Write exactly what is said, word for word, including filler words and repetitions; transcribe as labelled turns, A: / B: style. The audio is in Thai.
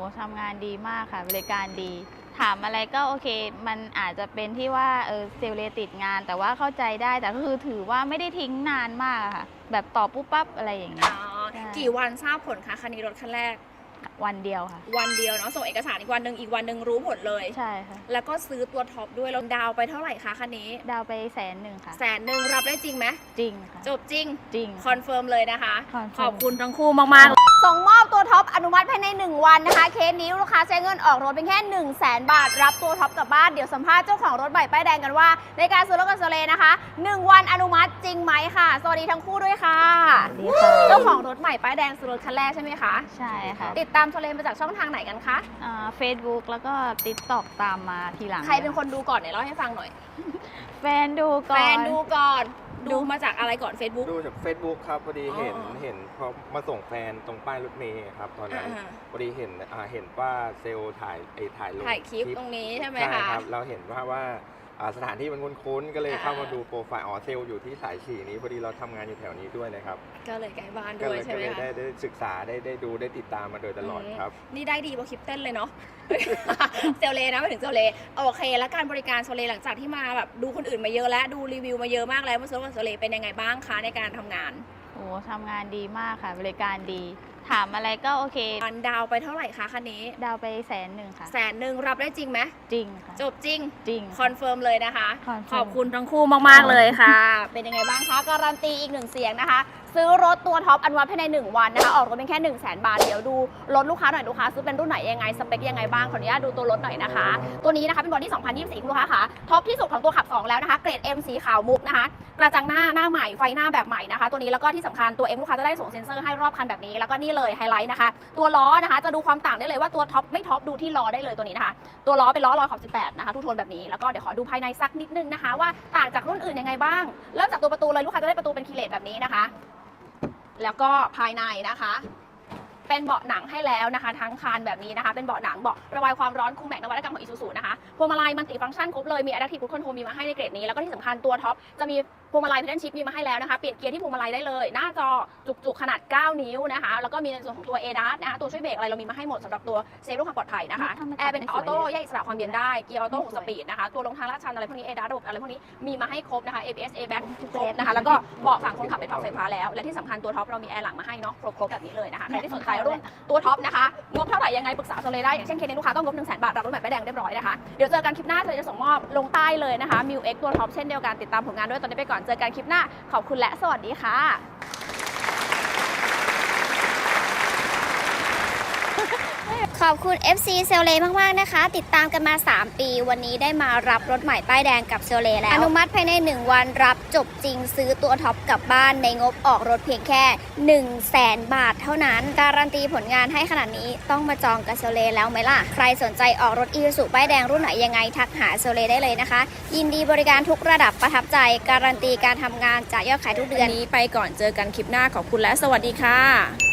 A: ทำงานดีมากค่ะบริการดี ถามอะไรก็โอเค มันอาจจะเป็นที่ว่าเออเซลล์เลติดงาน แต่ว่าเข้าใจได้แต่ก็คือถือว่าไม่ได้ทิ้งนานมากค่ะแบบตอบปุ๊บปั๊บอะไรอย่างเงี้ย
B: กี่วันทราบผลคะคันนี้รถคันแรก
A: วันเดียวค่ะ
B: วันเดียวเนาะส่งเอกสารอีกวันหนึ่งอีกวันหนึ่งรู้ผลเลย
A: ใช่ค่ะ
B: แล้วก็ซื้อตัวท็อปด้วยเราดาวไปเท่าไหร่คะคันนี้
A: ดาวไปแสนหนึ่งค่ะ
B: แสนหนึ่งรับได้จริงไหม
A: จริงค่ะ
B: จบจริง
A: จริง
B: คอนเฟิร์มเลยนะคะ
A: ข
B: อบคุณทั้งคู่มากๆส่งมอบตัวท็อปอนุมัติภายในหนึ่งวันนะคะเคสนี้ลูกค้าใช้เงินออกรถเป็นแค่หนึ่งแสนบาทรับตัวท็อปกลับบ้านเดี๋ยวสัมภาษณ์เจ้าของรถใหม่ป้ายแดงกันว่าในการซื้อรถกับโซเลนะคะหนึ่งวันอนุมัติจริงไหมค่ะสวัสดีทั้งคู่ด้วยค่ะเจ้าของรถใหม่ป้ายแดงซื้อรถคันแรกใช่ไหมคะ
A: ใช่ค่ะ
B: ติดตามโซเลมาจากช่องทางไหนกันคะ
A: เฟซบุ๊กแล้วก็ติ๊กต็อกตามมาทีหลัง
B: ใครเป็นคนดูก่อนไหนเล่าให้ฟังหน่อย
A: แฟนดูก่อน
B: แฟนดูก่อนดูมาจากอะไรก่อน Facebook
C: ดูจาก Facebook ครับพอดีเห็นเห็นพอมาส่งแฟนตรงป้ายรถเมล์ครับตอนนั้นพอดีเห็นเห็นว่าเซลล์ถ่ายไอ้ถ่ายลง
B: ถ่ายคลิปตรงนี้ใช่ไหมคะ
C: ใช่ครับเราเห็นว่าว่าสถานที่มันคุ้นๆก็เลยเข้ามาดูโปรไฟล์อ๋อเซลล์อยู่ที่สายฉี่นี้พอดีเราทำงานอยู่แถวนี้ด้วยนะครับ
B: ก็เลยใกล้บ้านด้วยใช่ไหมคะ
C: ก็เลยได้ศึกษาได้ได้ดูได้ติดตามมาโดยตลอดครับ
B: นี่ได้ดีกว่าคลิปเต้นเลยเนาะเซลเลนะมาถึงเซลเลโอเคแล้วการบริการโซเลหลังจากที่มาแบบดูคนอื่นมาเยอะแล้วดูรีวิวมาเยอะมากแล้วมาซื้อกับโซเลเป็นยังไงบ้างคะในการทำงาน
A: โอ้ทำงานดีมากค่ะบริการดีถามอะไรก็โอเค
B: อันดาวไปเท่าไหร่คะคันนี้
A: ดาวไปแสนหนึ่งค่ะ
B: แสนหนึ่งรับได้จริงไหม
A: จริงค่ะ
B: จบจริง
A: จริง
B: คอนเฟิร์มเลยนะคะ
A: ข
B: อบคุณทั้งคู่มากๆเลยค่ะเป็นยังไงบ้างคะการันตีอีกหนึ่งเสียงนะคะซื้อรถตัวท็อปอนุมัติภายในหนึ่งวันนะคะออกรถเป็นแค่หนึ่งแสนบาทเดี๋ยวดูรถลูกค้าหน่อยลูกค้าซื้อเป็นรุ่นไหนยังไงสเปคยังไงบ้างขออนุญาตดูตัวรถหน่อยนะคะตัวนี้นะคะเป็นบอดี้สองพันยี่สิบสี่คุณลูกค้าค่ะท็อปที่สุดของตัวขับสองแล้วนะคะเกรด M สีขาวมุกนะคะกระจังหน้าหน้าใหม่ไฟหน้าแบบใหม่นะคะตัวนี้แล้วก็ที่สำคัญตัว M ลูกค้าจะได้ส่งเซ็นเซอร์ให้รอบคันแบบนี้แล้วก็นี่เลยไฮไลท์นะคะตัวล้อนะคะจะดูความต่างได้เลยว่าตัวท็อปไม่ท็อปดูที่ล้อได้เลยตัวนี้นะคะตัวล้อเป็นล้อลอยขอบสิบแปดนะคะทุกโทนแบบนี้แล้วก็เดี๋ยวขอดูภายในสักนิดนึงนะคะว่าต่างจากรุ่นอื่นยังไงบ้างเริ่มจากตัวประตูเลยลูกค้าจะได้ประตูเป็นคีเลตแบบนี้นะคะแล้วก็ภายในนะคะเป็นเบาะหนังให้แล้วนะคะทั้งคันแบบนี้นะคะเป็นเบาะหนังเบาะระบายความร้อนคูลแม็กนวัตกรรมของ Isuzu นะคะพวงมาลัยมัลติฟังก์ชันครบเลยมี Adaptive Cruise Control มีมาให้ในเกรดนี้แล้วก็ที่สำคัญตัวท็อปจะมีพวงมาลัย Pedal Shift มีมาให้แล้วนะคะเปลี่ยนเกียร์ที่พวงมาลัยได้เลยหน้าจอจุกๆขนาดเก้านิ้วนะคะแล้วก็มีในส่วนของตัว เอ ดัส นะคะตัวช่วยเบรกอะไรเรามีมาให้หมดสำหรับตัวเซฟเรื่องความปลอดภัยนะคะแอร์เป็นออโต้แยกอิสระความเย็นได้เกียร์ออโต้หกสปีดนะคะตัวลงทางลาดชันอะไรพวกนี้ เอ ดัส ระบบอะไรพวกนี้มีมาให้ครบนะคะ เอ บี เอส Airbag ครบนะคะแล้วก็เบาะฝั่งคนขับเป็นปรับไฟฟ้าแล้วและที่สำคัญตัวท็อปเรามีแอร์หลังมาให้เนาะครบๆแบบนี้เลยนะคะใครที่สนใจรุ่นตัวท็อปนะคะงบเท่าไหร่ยังไงปรึกษาโซเลได้อย่างเช่นเคสนี้ลูกค้าต้องงบหนึ่งแสนบาทรับรถแบบป้ายแดงเรียบร้อยนะคะเดี๋ยวเจอกันคลิปหน้าจะส่งมอบลงใต้เลยนะคะ มิว เอ็กซ์ ตัวท็อปเช่นเดียวกันติดตามผลงานด้วยตอนนี้ไปก่อนเจอกันคลิปหน้าขอบคุณและสวัสดีค่ะ
D: ขอบคุณ เอฟ ซี เซลเลมากๆนะคะติดตามกันมาสามปีวันนี้ได้มารับรถใหม่ป้ายแดงกับเซลเลแล้วอนุมัติภายในหนึ่งวันรับจบจริงซื้อตัวท็อปกลับบ้านในงบออกรถเพียงแค่หนึ่งแสนบาทเท่านั้นการันตีผลงานให้ขนาดนี้ต้องมาจองกับเซลเลแล้วไหมล่ะใครสนใจออกรถ Isuzu ป้ายแดงรุ่นไหนยังไงทักหาเซลเลได้เลยนะคะยินดีบริการทุกระดับประทับใจการันตีการทำงานจากยอดขายทุกเดือน
B: นี้ไปก่อนเจอกันคลิปหน้าขอบคุณและสวัสดีค่ะ